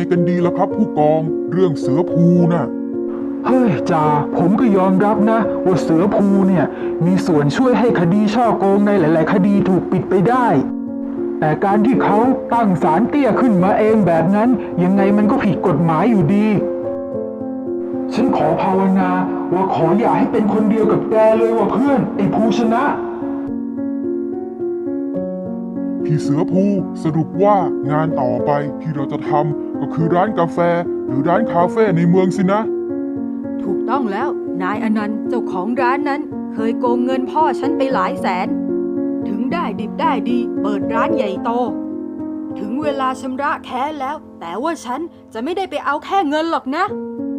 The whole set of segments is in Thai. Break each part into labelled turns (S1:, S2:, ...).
S1: กันดีล่ะครับผู้กองเรื่องเสือภูน่ะ
S2: เฮ้ยจ่าผมก็ยอมรับนะว่าเสือภูเนี่ยมีส่วนช่วยให้คดีฉ้อโกงในหลายๆคดีถูกปิดไปได้แต่การที่เขาตั้งศาลเตี้ยขึ้นมาเองแบบนั้นยังไงมันก็ผิดกฎหมายอยู่ดีฉันขอภาวนาว่าขออย่าให้เป็นคนเดียวกับแกเลยว่ะเพื่อนไอ้ภูชนะ
S1: พี่เสือภูสรุปว่างานต่อไปที่เราจะทำก็คือร้านกาแฟหรือร้านคาเฟ่ในเมืองสินะ
S3: ถูกต้องแล้วนายอนันต์เจ้าของร้านนั้นเคยโกงเงินพ่อฉันไปหลายแสนถึงได้ดิบได้ดีเปิดร้านใหญ่โตถึงเวลาชำระแค้นแล้วแต่ว่าฉันจะไม่ได้ไปเอาแค่เงินหรอกนะ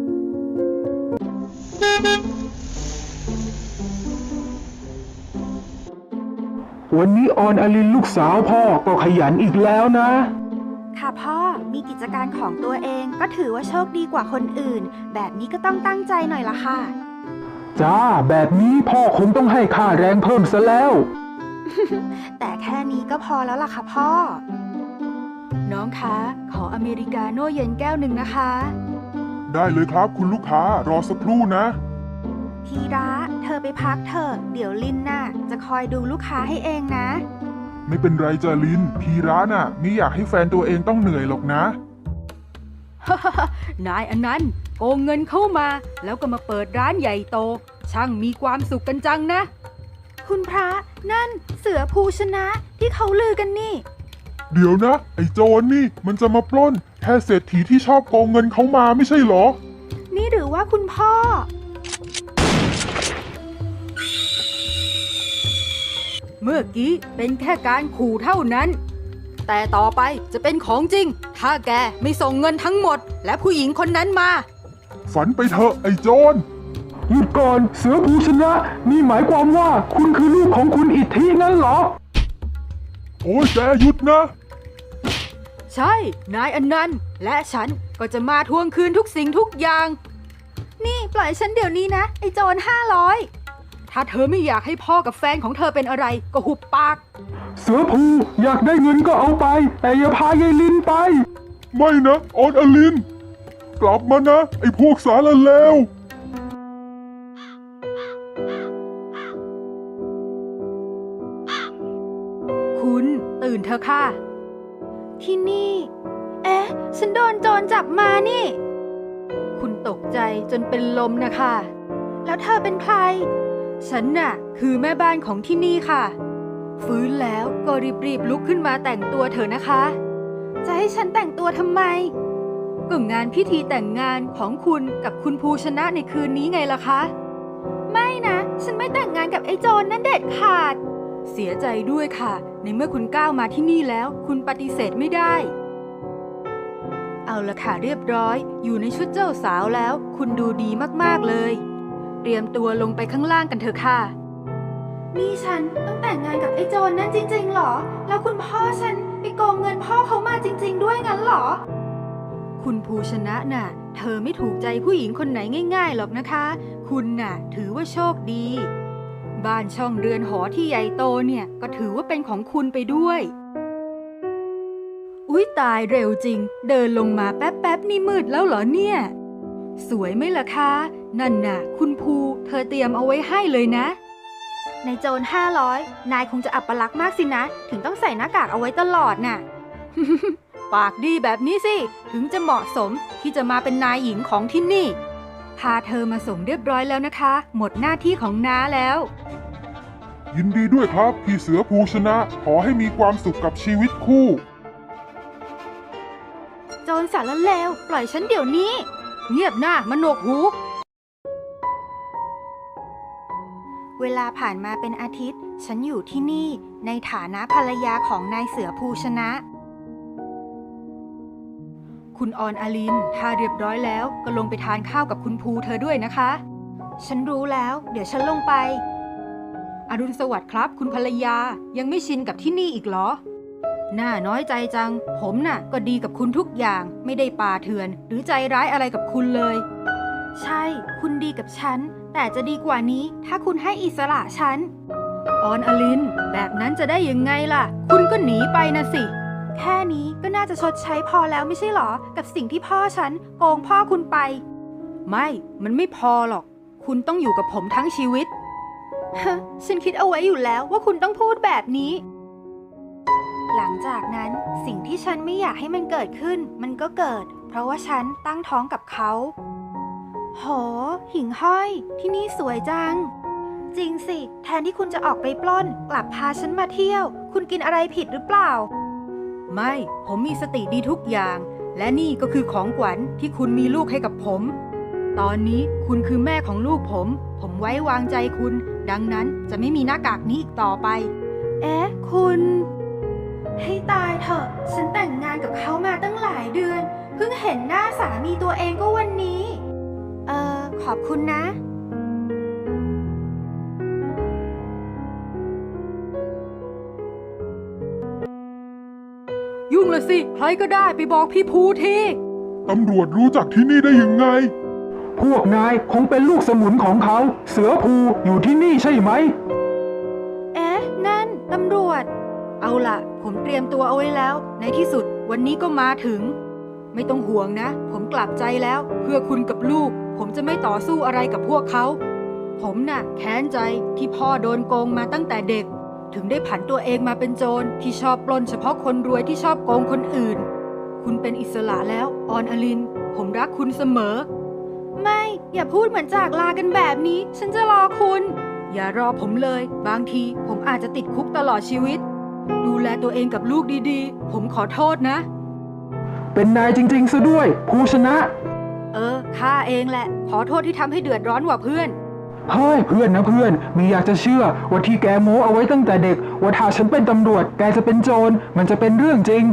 S2: วันนี้ออนอลินลูกสาวพ่อก็ขยันอีกแล้วนะ
S4: ค่ะพ่อมีกิจการของตัวเองก็ถือว่าโชคดีกว่าคนอื่นแบบนี้ก็ต้องตั้งใจหน่อยละค่ะ
S2: จ้าแบบนี้พ่อคงต้องให้ค่าแรงเพิ่มซะแล้ว
S4: แต่แค่นี้ก็พอแล้วล่ะค่ะพ่อ
S3: น้องคะขออเมริกาโน่เย็นแก้วหนึ่งนะคะ
S1: ได้เลยครับคุณลูกค้ารอสักครู่นะ
S4: ทีระเธอไปพักเถอะเดี๋ยวลินน่ะจะคอยดูลูกค้าให้เองนะ
S1: ไม่เป็นไรจ้ะลินพี่ร้านน่ะไม่อยากให้แฟนตัวเองต้องเหนื่อยหรอกนะ
S3: นายอนันต์โกงเงินเข้ามาแล้วก็มาเปิดร้านใหญ่โตช่างมีความสุขกันจังนะ
S4: คุณพระนั่นเสือภูชนะที่เขาลือกันนี่
S1: เดี๋ยวนะไอ้โจรนี่มันจะมาปล้นแค่เศรษฐีที่ชอบโกงเงินเขามาไม่ใช่เหรอ
S4: นี่หรือว่าคุณพ่อ
S3: เมื่อกี้เป็นแค่การขู่เท่านั้นแต่ต่อไปจะเป็นของจริงถ้าแกไม่ส่งเงินทั้งหมดและผู้หญิงคนนั้นมา
S1: ฝันไปเถอะไอ้โจร
S2: หยุดก่อนเสือภูชนะนี่หมายความว่าคุณคือลูกของคุณอิทธิงั้นเหรอ
S1: โอ้ยแกหยุดนะ
S3: ใช่นายอนันต์และฉันก็จะมาทวงคืนทุกสิ่งทุกอย่าง
S4: นี่ปล่อยฉันเดี๋ยวนี้นะไอ้โจร500
S3: ถ้าเธอไม่อยากให้พ่อกับแฟนของเธอเป็นอะไรก็หุบปาก
S2: เสือภูอยากได้เงินก็เอาไปแต่อย่าพายายลินไป
S1: ไม่นะออนอลินกลับมานะไอ้พวกสารเลว
S3: คุณตื่นเถอะค่ะ
S4: ที่นี่เอ๊ะฉันโดนโจรจับมานี่
S3: คุณตกใจจนเป็นลมนะคะ
S4: แล้วเธอเป็นใคร
S3: ฉันน่ะคือแม่บ้านของที่นี่ค่ะฟื้นแล้วก็รีบลุกขึ้นมาแต่งตัวเถอะนะคะ
S4: จะให้ฉันแต่งตัวทำไม
S3: ก็งานพิธีแต่งงานของคุณกับคุณภูชนะในคืนนี้ไงล่ะคะ
S4: ไม่นะฉันไม่แต่งงานกับไอ้โจรนั่นเด็ดขาด
S3: เสียใจด้วยค่ะในเมื่อคุณก้าวมาที่นี่แล้วคุณปฏิเสธไม่ได้เอาละค่ะเรียบร้อยอยู่ในชุดเจ้าสาวแล้วคุณดูดีมากๆเลยเตรียมตัวลงไปข้างล่างกันเถอะค่ะ
S4: นี่ฉันต้องแต่งงานกับไอ้โจรนั่นจริงๆหรอแล้วคุณพ่อฉันไปโกงเงินพ่อเขามาจริงๆด้วยงั้นหรอ
S3: คุณภูชนะน่ะเธอไม่ถูกใจผู้หญิงคนไหนง่ายๆหรอกนะคะคุณน่ะถือว่าโชคดีบ้านช่องเรือนหอที่ใหญ่โตเนี่ยก็ถือว่าเป็นของคุณไปด้วยอุ๊ยตายเร็วจริงเดินลงมาแป๊บๆนี่มืดแล้วเหรอเนี่ยสวยไหมล่ะคะนั่นน่ะคุณภูเธอเตรียมเอาไว้ให้เลยนะ
S4: ในโจร500นายคงจะอับปลักษณ์มากสินะถึงต้องใส่หน้ากากเอาไว้ตลอดน่ะ
S3: ปากดีแบบนี้สิถึงจะเหมาะสมที่จะมาเป็นนายหญิงของที่นี่พาเธอมาส่งเรียบร้อยแล้วนะคะหมดหน้าที่ของน้าแล้ว
S1: ยินดีด้วยครับพี่เสือภูชนะขอให้มีความสุขกับชีวิตคู่
S4: โจรสารเลวปล่อยฉันเดี๋ยวนี้
S3: เงียบหน้ามโนกหู
S4: เวลาผ่านมาเป็นอาทิตย์ฉันอยู่ที่นี่ในฐานะภรรยาของนายเสือภูชนะ
S3: คุณออนอลินถ้าเรียบร้อยแล้วก็ลงไปทานข้าวกับคุณภูเธอด้วยนะคะ
S4: ฉันรู้แล้วเดี๋ยวฉันลงไป
S3: อรุณสวัสดิ์ครับคุณภรรยายังไม่ชินกับที่นี่อีกเหรอน่าน้อยใจจังผมน่ะก็ดีกับคุณทุกอย่างไม่ได้ป่าเถื่อนหรือใจร้ายอะไรกับคุณเลย
S4: ใช่คุณดีกับฉันแต่จะดีกว่านี้ถ้าคุณให้อิสระฉัน
S3: ออนอลินแบบนั้นจะได้ยังไงล่ะคุณก็หนีไปนะสิ
S4: แค่นี้ก็น่าจะชดใช้พอแล้วไม่ใช่หรอกับสิ่งที่พ่อฉันโกงพ่อคุณไป
S3: ไม่ มันไม่พอหรอก คุณต้องอยู่กับผมทั้งชีวิต
S4: ฮะ ฉันคิดเอาไว้อยู่แล้วว่าคุณต้องพูดแบบนี้ หลังจากนั้นสิ่งที่ฉันไม่อยากให้มันเกิดขึ้นมันก็เกิด เพราะว่าฉันตั้งท้องกับเขาโหหิ่งห้อยที่นี่สวยจัง จริงสิแทนที่คุณจะออกไปปล้นกลับพาฉันมาเที่ยว คุณกินอะไรผิดหรือเปล่า
S3: ไม่ ผมมีสติดีทุกอย่าง และนี่ก็คือของขวัญที่คุณมีลูกให้กับผม ตอนนี้คุณคือแม่ของลูกผมไว้วางใจคุณ ดังนั้นจะไม่มีหน้ากากนี้อีกต่อไป
S4: เอ๊ะคุณให้ตายเถอะฉันแต่งงานกับเขามาตั้งหลายเดือนเพิ่งเห็นหน้าสามีตัวเองก็วันนี้ขอบคุณนะ
S3: ยุ่งละสิ ใครก็ได้ไปบอกพี่ภูที
S1: ตำรวจรู้จักที่นี่ได้ยังไง
S2: พวกนายคงเป็นลูกสมุนของเขา เสือภูอยู่ที่นี่ใช่ไหม
S4: เอ๊ะนั่นตำรวจ
S3: เอาล่ะ ผมเตรียมตัวเอาไว้แล้ว ในที่สุดวันนี้ก็มาถึง ไม่ต้องห่วงนะ ผมกลับใจแล้ว เพื่อคุณกับลูก ผมจะไม่ต่อสู้อะไรกับพวกเขา ผมน่ะแค้นใจที่พ่อโดนโกงมาตั้งแต่เด็ก ถึงได้ผันตัวเองมาเป็นโจรที่ชอบปล้นเฉพาะคนรวยที่ชอบโกงคนอื่น คุณเป็นอิสระแล้วออนอลิน ผมรักคุณเสมอ
S4: ไม่อย่าพูดเหมือนจากลากันแบบนี้ ฉันจะรอคุณ
S3: อย่ารอผมเลย บางทีผมอาจจะติดคุกตลอดชีวิต ดูแลตัวเองกับลูกดีๆ ผมขอโทษนะ
S2: เป็นนายจริงๆซะด้วย ภูชนะ
S3: ข้าเองแหละ ขอโทษที่ทำให้เดือดร้อนกว่าเพื่อน
S2: เฮ้ยเพื่อนนะเพื่อนมีอยากจะเชื่อว่าที่แกโม้เอาไว้ตั้งแต่เด็กว่าถ้าฉันเป็นตำรวจแกจะเป็นโจรมันจะเป็นเรื่องจริง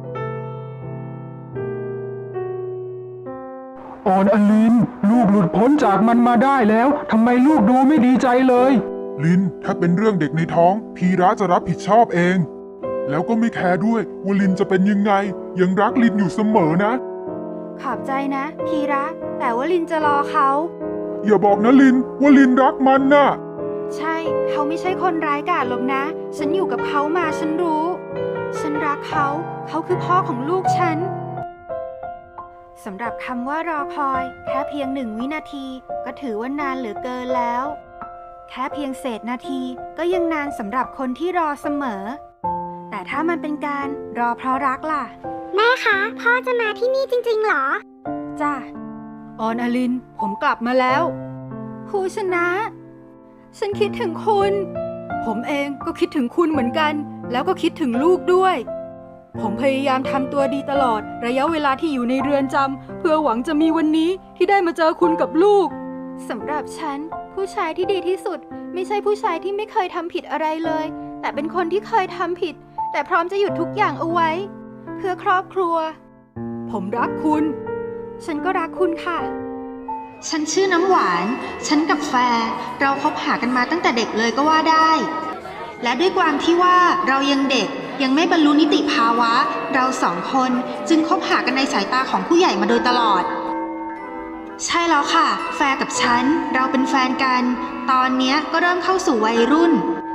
S2: ออนอลินลูกหลุดพ้นจากมันมาได้แล้วทำไมลูกดูไม่ดีใจเลย
S1: ลิน ถ้าเป็นเรื่องเด็กในท้อง พีระจะรับผิดชอบเอง แล้วก็ไม่แคร์ด้วยว่าลินจะเป็นยังไง ยังรักลินอยู่เสมอนะ
S4: ขอบใจนะพีระแต่ว่าลินจะรอเขา
S1: อย่าบอกนะลินว่าลินรักมันน่ะ
S4: ใช่เขาไม่ใช่คนร้ายกาจหรอกนะ ฉันอยู่กับเขามาฉันรู้ ฉันรักเขา เขาคือพ่อของลูกฉันสำหรับคำว่ารอคอยแค่เพียง1 วินาทีก็ถือว่านานเหลือเกินแล้ว แค่เพียงเศษนาทีก็ยังนานสำหรับคนที่รอเสมอ แต่ถ้ามันเป็นการรอเพราะรักล่ะ
S5: แม่คะ พ่อจะมาที่นี่จริงๆเหรอ
S4: จ้ะ
S3: ออนอลิน ผมกลับมาแล้ว
S4: ภูชนะ ฉันคิดถึงคุณ
S3: ผมเองก็คิดถึงคุณเหมือนกัน แล้วก็คิดถึงลูกด้วย ผมพยายามทำตัวดีตลอดระยะเวลาที่อยู่ในเรือนจำเพื่อหวังจะมีวันนี้ที่ได้มาเจอคุณกับลูก
S4: สำหรับฉันผู้ชายที่ดีที่สุด ไม่ใช่ผู้ชายที่ไม่เคยทำผิดอะไรเลย แต่เป็นคนที่เคยทำผิด แต่พร้อมจะหยุดทุกอย่างเอาไว้ เพื่อครอบครัว
S3: ผมรักคุณ
S4: ฉันก็รักคุณค่ะ ฉันชื่อน้ำหวาน ฉันกับแฟร์เราคบหากันมาตั้งแต่เด็กเลยก็ว่าได้ และด้วยความที่ว่าเรายังเด็กยังไม่บรรลุนิติภาวะ เรา2 คนจึงคบหากันในสายตาของผู้ใหญ่มาโดยตลอด ใช่แล้วค่ะ แฟร์กับฉันเราเป็นแฟนกัน ตอนเนี้ยก็เริ่มเข้าสู่วัยรุ่น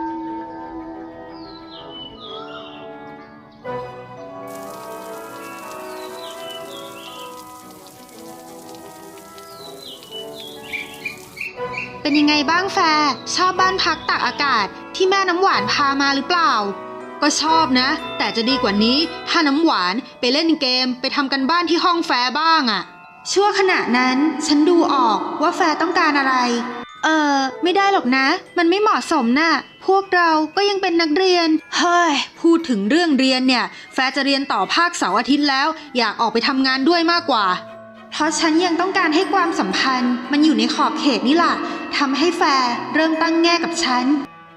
S4: เป็นยังไงบ้างแฟร์ชอบบ้านพักตากอากาศที่แม่น้ำหวานพามาหรือเปล่า ก็ชอบนะ แต่จะดีกว่านี้ถ้าน้ำหวานไปเล่นเกมไปทำกันบ้านที่ห้องแฟร์บ้างอะชั่วขณะนั้นฉันดูออกว่าแฟร์ต้องการอะไร ไม่ได้หรอกนะ มันไม่เหมาะสมน่ะ พวกเราก็ยังเป็นนักเรียน เฮ้ย พูดถึงเรื่องเรียนเนี่ย แฟร์จะเรียนต่อภาคเสาร์อาทิตย์แล้ว อยากออกไปทำงานด้วยมากกว่า เพราะฉันยังต้องการให้ความสัมพันธ์มันอยู่ในขอบเขตนี่ล่ะทำให้แฟร์เริ่มตั้งแง่กับฉัน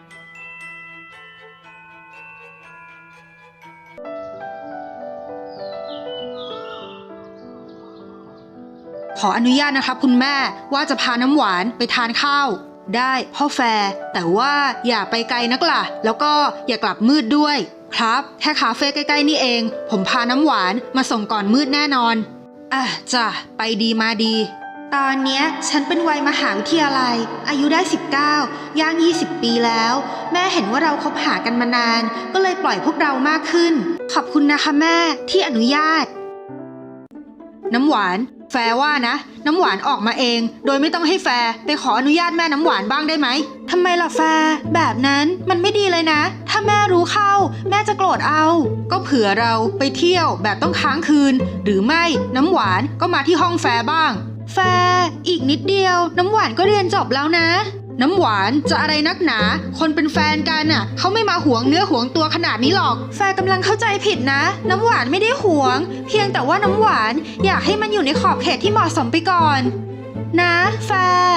S4: ขออนุญาตนะครับคุณแม่ว่าจะพาน้ำหวานไปทานข้าวได้พ่อแฟร์แต่ว่าอย่าไปไกลนักล่ะแล้วก็อย่ากลับมืดด้วยครับแค่คาเฟ่ใกล้ๆนี่เองผมพาน้ำหวานมาส่งก่อนมืดแน่นอนจ้ะไปดีมาดีตอนเนี้ยฉันเป็นวัยมหาวิทยาลัยอายุได้ 19 ย่าง 20 ปีแล้ว แม่เห็นว่าเราคบหากันมานาน ก็เลยปล่อยพวกเรามากขึ้น ขอบคุณนะคะแม่ที่อนุญาต น้ำหวาน แฟร์ว่านะ น้ำหวานออกมาเอง โดยไม่ต้องให้แฟร์ไปขออนุญาตแม่น้ำหวานบ้างได้ไหมทำไมล่ะแฟร์แบบนั้นมันไม่ดีเลยนะ ถ้าแม่รู้เข้า แม่จะโกรธเอา ก็เผื่อเราไปเที่ยวแบบต้องค้างคืน หรือไม่น้ำหวานก็มาที่ห้องแฟร์บ้าง แฟร์อีกนิดเดียวน้ำหวานก็เรียนจบแล้วนะ น้ำหวานจะอะไรนักหนา คนเป็นแฟนกันน่ะเขาไม่มาหวงเนื้อหวงตัวขนาดนี้หรอก แฟร์กำลังเข้าใจผิดนะ น้ำหวานไม่ได้หวง เพียงแต่ว่าน้ำหวานอยากให้มันอยู่ในขอบเขตที่เหมาะสมไปก่อน นะแฟร์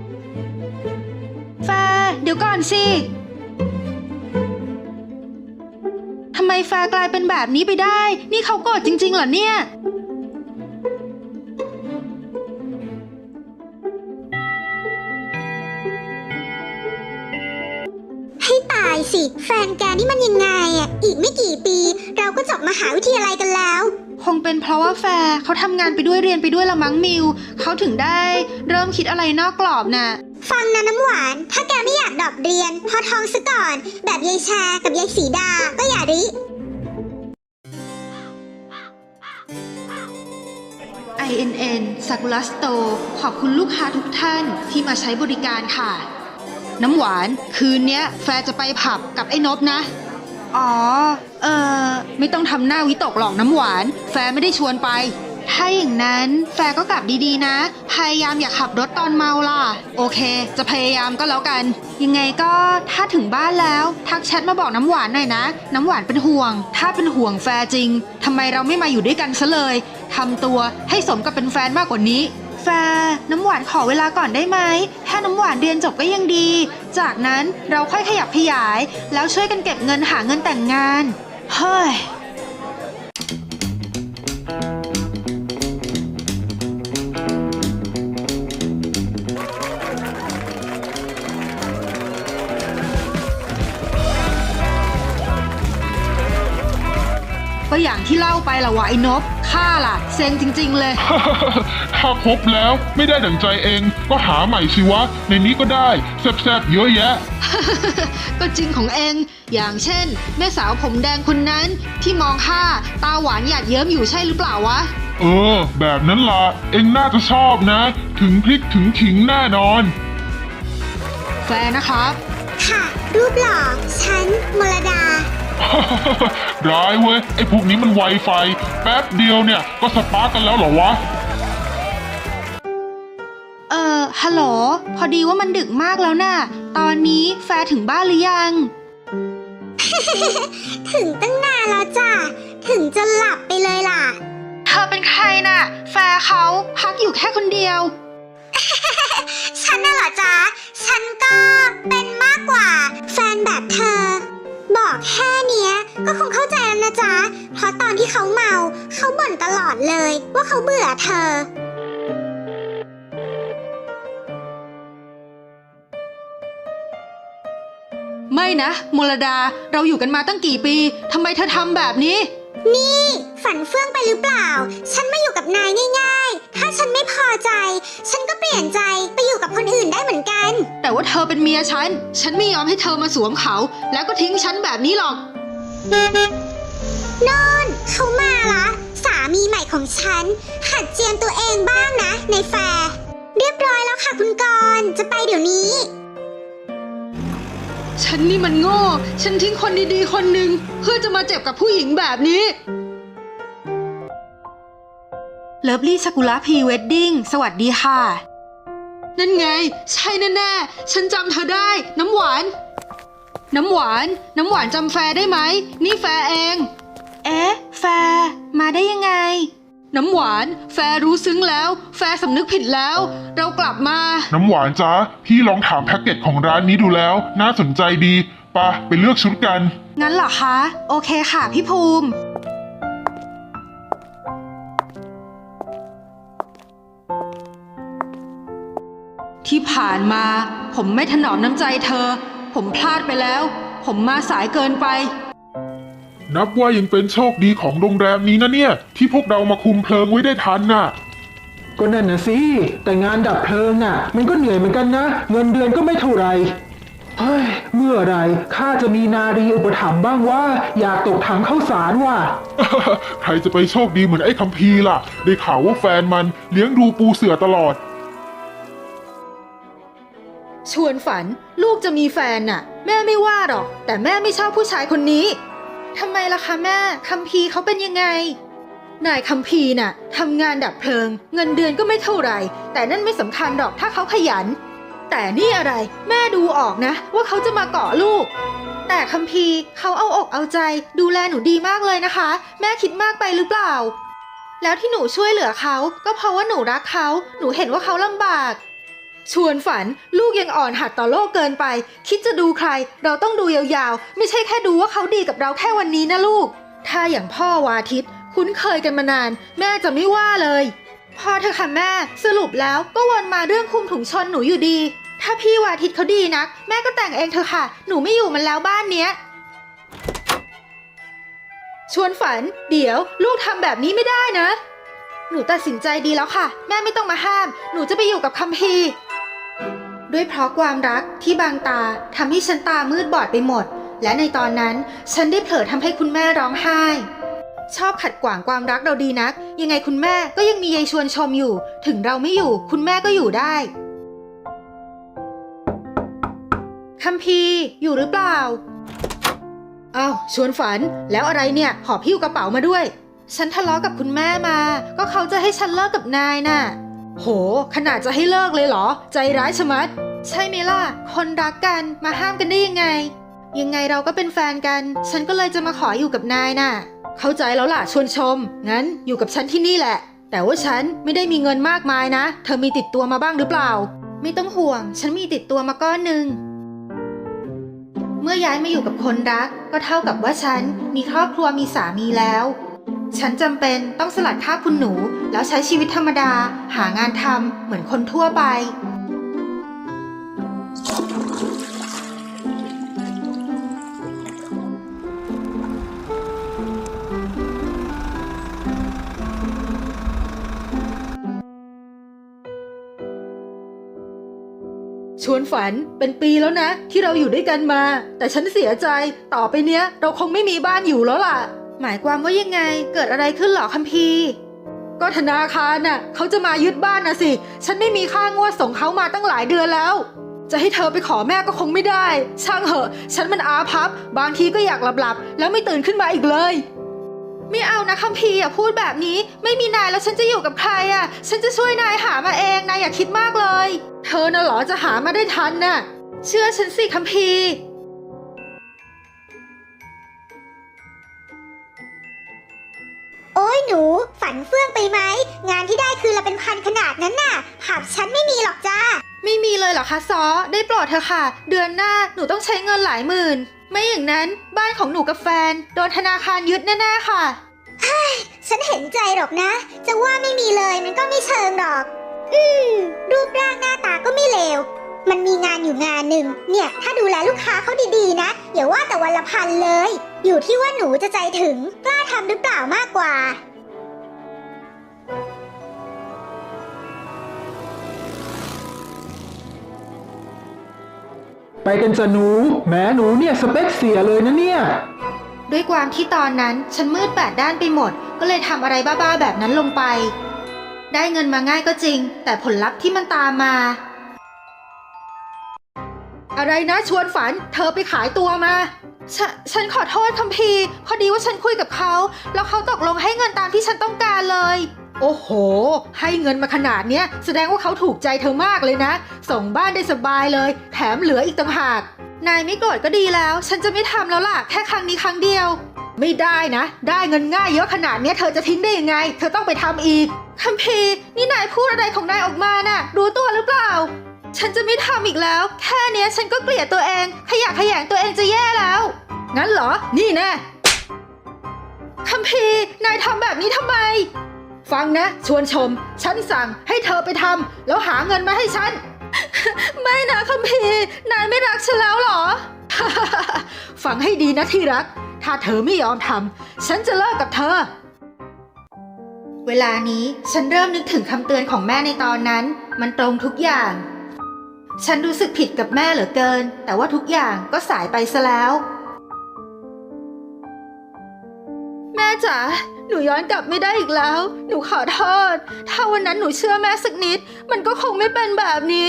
S4: เดี๋ยวก่อนสิทำไมแฟร์กลายเป็นแบบนี้ไปได้ นี่เขาโกรธจริงๆเหรอเนี่ย
S5: ให้ตายสิ แฟนแกนี่มันยังไงอ่ะ อีกไม่กี่ปีเราก็จบมหาวิทยาลัยกันแล้ว
S4: คงเป็นเพราะว่าแฟร์เขาทำงานไปด้วยเรียนไปด้วยละมั้งมิวเขาถึงได้เริ่มคิดอะไรนอกกรอบน่ะ
S5: ฟังนะน้ำหวาน ถ้าแกไม่อยากดรอปเรียน พอท้องซะก่อน แบบยายแชร์กับยายสีดา ก็อย่าริ
S4: INN ซากุระสโตร์ขอบคุณลูกค้าทุกท่านที่มาใช้บริการค่ะ น้ำหวานคืนเนี้ยแฟร์จะไปผับกับไอ้นบนะ อ๋อ ไม่ต้องทำหน้าวิตกหรอกน้ำหวาน แฟร์ไม่ได้ชวนไป ถ้าอย่างนั้นแฟร์ก็กลับดีๆนะ พยายามอย่าขับรถตอนเมาล่ะ โอเค จะพยายามก็แล้วกัน ยังไงก็ถ้าถึงบ้านแล้วทักแชทมาบอกน้ำหวานหน่อยนะ น้ำหวานเป็นห่วง ถ้าเป็นห่วงแฟร์จริงทำไมเราไม่มาอยู่ด้วยกันซะเลยทำตัวให้สมกับเป็นแฟนมากกว่านี้ แฟร์น้ำหวานขอเวลาก่อนได้ไหมถ้าน้ำหวานเรียนจบก็ยังดี จากนั้นเราค่อยขยับขยาย แล้วช่วยกันเก็บเงินหาเงินแต่งงาน เฮ้ย ก็อย่างที่เล่าไปละวะไอ้นบข้าล่ะเซ็งจริงๆเลย
S1: ถ้าครบแล้วไม่ได้ดั่งใจเองก็หาใหม่สิวะ ในนี้ก็ได้แซ่บๆเยอะแยะ
S4: ก็จริงของเอง อย่างเช่น แม่สาวผมแดงคนนั้นที่มองข้าตาหวานหยาดเยิ้มอยู่ใช่หรือเปล่าวะ
S1: แบบนั้นล่ะ เองน่าจะชอบนะ ถึงพริกถึงขิงแน่นอน
S4: แฟนนะครับ
S5: ค่ะ รูปหล่อ ฉัน มลดา
S1: ร้ายเว้ย ไอ้พวกนี้มันไวไฟ แป๊บเดียวเนี่ยก็สปาร์กกันแล้วเหรอวะ
S4: ฮัลโหล พอดีว่ามันดึกมากแล้วน่ะ ตอนนี้แฟร์ถึงบ้านหรือยัง
S5: ถึงตั้งนานแล้วจ้ะ ถึงจะหลับไปเลยล่ะ
S4: เธอเป็นใครน่ะ แฟร์เขาพักอยู่แค่คนเดียว
S5: ฉันน่ะเหรอจ๊ะ ฉันก็เป็นมากกว่า แฟนแบบเธอ บอกแค่เนี้ยก็คงเข้าใจแล้วนะจ๊ะ เพราะตอนที่เขาเมาเขาบ่นตลอดเลยว่าเขาเบื่อเธอ
S4: ไม่นะมลดาเราอยู่กันมาตั้งกี่ปีทำไมเธอทำแบบนี้
S5: นี่ฝันเฟื่องไปหรือเปล่า ฉันมาอยู่กับนายง่ายๆ ถ้าฉันไม่พอใจ ฉันก็เปลี่ยนใจไปอยู่กับคนอื่นได้เหมือนกัน
S4: แต่ว่าเธอเป็นเมียฉันไม่ยอมให้เธอมาสวมเขา แล้วก็ทิ้งฉันแบบนี้หรอก
S5: นนเขามาละสามีใหม่ของฉัน หัดเจียมตัวเองบ้างนะในแฟร์เรียบร้อยแล้วค่ะคุณกรณ์จะไปเดี๋ยวนี้
S4: ฉันนี่มันโง่ ฉันทิ้งคนดีๆคนหนึ่งเพื่อจะมาเจ็บกับผู้หญิงแบบนี้ เลิฟลี่ซากุระพรีเวดดิ้งสวัสดีค่ะ นั่นไง ใช่แน่ๆฉันจำเธอได้ น้ำหวานจำแฟร์ได้ไหม นี่แฟร์เอง เอ๊ะ แฟร์มาได้ยังไง น้ำหวานแฟร์รู้ซึ้งแล้ว แฟร์สำนึกผิดแล้ว เรากลับมา
S1: น้ำหวานจ๊ะ พี่ลองถามแพ็กเกจของร้านนี้ดูแล้ว น่าสนใจดีไปเลือกชุดกัน
S4: งั้นเหรอคะ โอเคค่ะพี่ภูมิ ที่ผ่านมาผมไม่ถนอมน้ำใจเธอ ผมพลาดไปแล้ว ผมมาสายเกินไป
S1: นับว่ายังเป็นโชคดีของโรงแรมนี้นะเนี่ย ที่พวกเรามาคุมเพลิงไว้ได้ทันน่ะ
S2: ก็นั่นน่ะสิแต่งานดับเพลิงน่ะมันก็เหนื่อยเหมือนกันนะเงินเดือนก็ไม่เท่าไหร่เฮ้ยเมื่อไหรข้าจะมีนารีอุปถัมภ์บ้างว่าอยากตกถังข้าวสารว่ะ
S1: ใครจะไปโชคดีเหมือนไอ้คัมภีร์ล่ะ ได้ข่าวว่าแฟนมันเลี้ยงดูปูเสือตลอด
S4: ชวนฝันลูกจะมีแฟนน่ะ แม่ไม่ว่าหรอก แต่แม่ไม่ชอบผู้ชายคนนี้ทำไมล่ะคะแม่คัมภีร์เขาเป็นยังไงนายคัมภีร์น่ะทำงานดับเพลิงเงินเดือนก็ไม่เท่าไหร่แต่นั่นไม่สำคัญหรอกถ้าเขาขยันแต่นี่อะไรแม่ดูออกนะว่าเขาจะมาเกาะลูกแต่คัมภีร์เขาเอาอกเอาใจดูแลหนูดีมากเลยนะคะแม่คิดมากไปหรือเปล่าแล้วที่หนูช่วยเหลือเขาก็เพราะว่าหนูรักเขาหนูเห็นว่าเขาลำบากชวนฝันลูกยังอ่อนหัดต่อโลกเกินไปคิดจะดูใครเราต้องดูยาวๆไม่ใช่แค่ดูว่าเขาดีกับเราแค่วันนี้นะลูกถ้าอย่างพ่อวาทิตคุ้นเคยกันมานานแม่จะไม่ว่าเลยพอเธอค่ะแม่สรุปแล้วก็วนมาเรื่องคุมถุงชนหนูอยู่ดีถ้าพี่วาทิตเขาดีนักแม่ก็แต่งเองเถอะค่ะหนูไม่อยู่มันแล้วบ้านเนี้ยชวนฝันเดี๋ยวลูกทำแบบนี้ไม่ได้นะหนูตัดสินใจดีแล้วค่ะแม่ไม่ต้องมาห้ามหนูจะไปอยู่กับคัมภีร์ด้วยเพราะความรักที่บางตาทำให้ฉันตามืดบอดไปหมดและในตอนนั้นฉันได้เผลอทำให้คุณแม่ร้องไห้ชอบขัดขวางความรักเราดีนักยังไงคุณแม่ก็ยังมียายชวนชมอยู่ถึงเราไม่อยู่คุณแม่ก็อยู่ได้คัมภีร์อยู่หรือเปล่าอ้าวชวนฝันแล้วอะไรเนี่ยหอบหิ้วกระเป๋ามาด้วยฉันทะเลาะกับคุณแม่มาก็เขาจะให้ฉันเลิกกับนายน่ะโหขนาดจะให้เลิกเลยเหรอใจร้ายชะมัดใช่ไหมล่ะคนรักกันมาห้ามกันได้ยังไงเราก็เป็นแฟนกันฉันก็เลยจะมาขออยู่กับนายน่ะเข้าใจแล้วล่ะชวนชมงั้นอยู่กับฉันที่นี่แหละแต่ว่าฉันไม่ได้มีเงินมากมายนะเธอมีติดตัวมาบ้างหรือเปล่าไม่ต้องห่วงฉันมีติดตัวมาก้อนหนึ่งเมื่อย้ายมาอยู่กับคนรักก็เท่ากับว่าฉันมีครอบครัวมีสามีแล้วฉันจำเป็นต้องสลัดคราบคุณหนูแล้วใช้ชีวิตธรรมดาหางานทำเหมือนคนทั่วไปชวนฝันเป็นปีแล้วนะที่เราอยู่ด้วยกันมาแต่ฉันเสียใจต่อไปเนี้ยเราคงไม่มีบ้านอยู่แล้วล่ะหมายความว่ายังไงเกิดอะไรขึ้นหรอคัมภีร์ก็ธนาคารน่ะเขาจะมายึดบ้านนะสิฉันไม่มีค่างวดส่งเขามาตั้งหลายเดือนแล้วจะให้เธอไปขอแม่ก็คงไม่ได้ช่างเหอะฉันมันอาภัพบางทีก็อยากหลับแล้วไม่ตื่นขึ้นมาอีกเลยไม่เอานะคัมภีร์อย่าพูดแบบนี้ไม่มีนายแล้วฉันจะอยู่กับใครอ่ะฉันจะช่วยนายหามาเองนายอย่าคิดมากเลยเธอน่ะเหรอจะหามาได้ทันน่ะเชื่อฉันสิคัมภีร์
S5: โอ้ยหนูฝันเฟื่องไปไหมงานที่ได้คือละเป็นพันขนาดนั้นน่ะหับฉันไม่มีหรอกจ้า
S4: ไม่มีเลยเหรอคะซอได้โปรดเธอะค่ะเดือนหน้าหนูต้องใช้เงินหลายหมื่นไม่อย่างนั้นบ้านของหนูกับแฟนโดนธนาคารยึดแน่ๆค่ะ
S5: ฉันเห็นใจหรอกนะจะว่าไม่มีเลยมันก็ไม่เชิงหรอกรูปร่างหน้าตาก็ไม่เลวมันมีงานอยู่งานหนึ่งเนี่ยถ้าดูแลลูกค้าเขาดีๆนะอย่าว่าแต่วันละพันเลยอยู่ที่ว่าหนูจะใจถึงกล้าทำหรือเปล่ามากกว่า
S2: ไปกันจ้ะหนูแม้หนูเนี่ยสเปคเสียเลยนะเนี่ย
S4: ด้วยความที่ตอนนั้นฉันมืดแปดด้านไปหมดก็เลยทำอะไรบ้าๆแบบนั้นลงไปได้เงินมาง่ายก็จริงแต่ผลลัพธ์ที่มันตามมาอะไรนะชวนฝันเธอไปขายตัวมาฉันขอโทษคัมภีร์พอดีว่าฉันคุยกับเขาแล้วเขาตกลงให้เงินตามที่ฉันต้องการเลยโอ้โหให้เงินมาขนาดเนี้ยแสดงว่าเขาถูกใจเธอมากเลยนะส่งบ้านได้สบายเลยแถมเหลืออีกต่างหากนายไม่โกรธก็ดีแล้วฉันจะไม่ทำแล้วล่ะแค่ครั้งนี้ครั้งเดียวไม่ได้นะได้เงินง่ายเยอะขนาดเนี้ยเธอจะทิ้งได้ยังไงเธอต้องไปทำอีกคัมภีร์นี่นายพูดอะไรของนายออกมาน่ะรู้ตัวหรือเปล่าฉันจะไม่ทำอีกแล้วแค่เนี้ยฉันก็เกลียดตัวเองขยะแขยงตัวเองจะแย่แล้วงั้นเหรอนี่แน่คัมภีร์นายทำแบบนี้ทำไมฟังนะชวนชมฉันสั่งให้เธอไปทำแล้วหาเงินมาให้ฉัน ไม่นะคัมภีร์นายไม่รักฉันแล้วเหรอ ฟังให้ดีนะที่รักถ้าเธอไม่ยอมทำฉันจะเลิกกับเธอเวลานี้ฉันเริ่มนึกถึงคำเตือนของแม่ในตอนนั้น มันตรงทุกอย่าง ฉันรู้สึกผิดกับแม่เหลือเกิน แต่ว่าทุกอย่างก็สายไปซะแล้ว แม่จ๋า หนูย้อนกลับไม่ได้อีกแล้ว หนูขอโทษ ถ้าวันนั้นหนูเชื่อแม่สักนิด มันก็คงไม่เป็นแบบนี้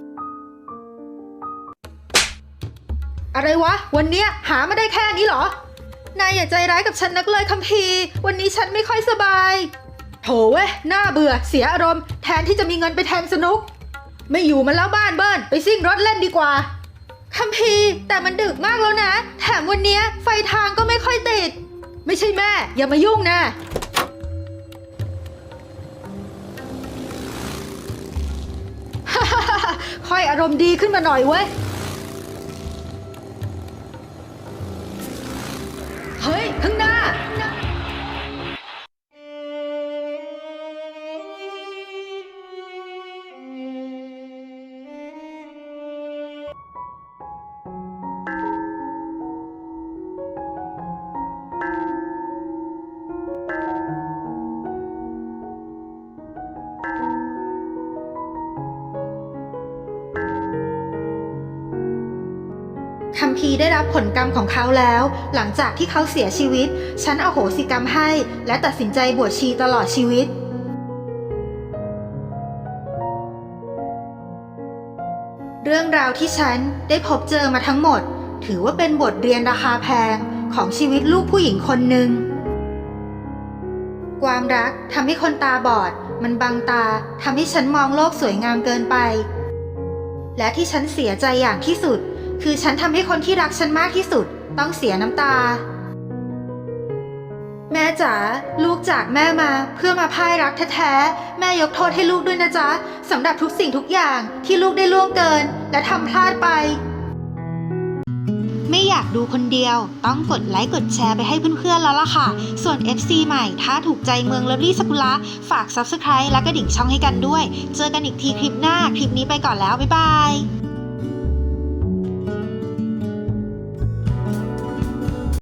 S4: อะไรวะ วันเนี้ยหามาได้แค่นี้เหรอ นายอย่าใจร้ายกับฉันนักเลยคัมภีร์ วันนี้ฉันไม่ค่อยสบาย โถเว้ย น่าเบื่อ เสียอารมณ์ แทนที่จะมีเงินไปแทงสนุก ไม่อยู่มันแล้วบ้านเบิ้ลไปซิ่งรถเล่นดีกว่า คัมภีร์แต่มันดึกมากแล้วนะ แถมวันเนี้ยไฟทางก็ไม่ค่อยติด ไม่ใช่แม่ อย่ามายุ่งนะ ค่อยอารมณ์ดีขึ้นมาหน่อยเว้ย เฮ้ย ข้างหน้า คัมภีร์ได้รับผลกรรมของเขาแล้ว หลังจากที่เขาเสียชีวิต ฉันอโหสิกรรมให้ และตัดสินใจบวชชีตลอดชีวิต เรื่องราวที่ฉันได้พบเจอมาทั้งหมด ถือว่าเป็นบทเรียนราคาแพงของชีวิตลูกผู้หญิงคนหนึ่ง ความรักทำให้คนตาบอด มันบังตาทำให้ฉันมองโลกสวยงามเกินไป และที่ฉันเสียใจอย่างที่สุด คือฉันทำให้คนที่รักฉันมากที่สุดต้องเสียน้ำตา แม่จ๋า ลูกจากแม่มาเพื่อมาพ่ายรักแท้ๆ แม่ยกโทษให้ลูกด้วยนะจ๊ะสำหรับทุกสิ่งทุกอย่างที่ลูกได้ล่วงเกินและทำพลาดไป ไม่อยากดูคนเดียวต้องกดไลค์กดแชร์ไปให้เพื่อนๆแล้วล่ะค่ะ ส่วน FC ใหม่ถ้าถูกใจเมืองเลิฟลี่สกุละฝาก Subscribe และกระดิ่งช่องให้กันด้วย เจอกันอีกทีคลิปหน้า คลิปนี้ไปก่อนแล้วบ๊ายบาย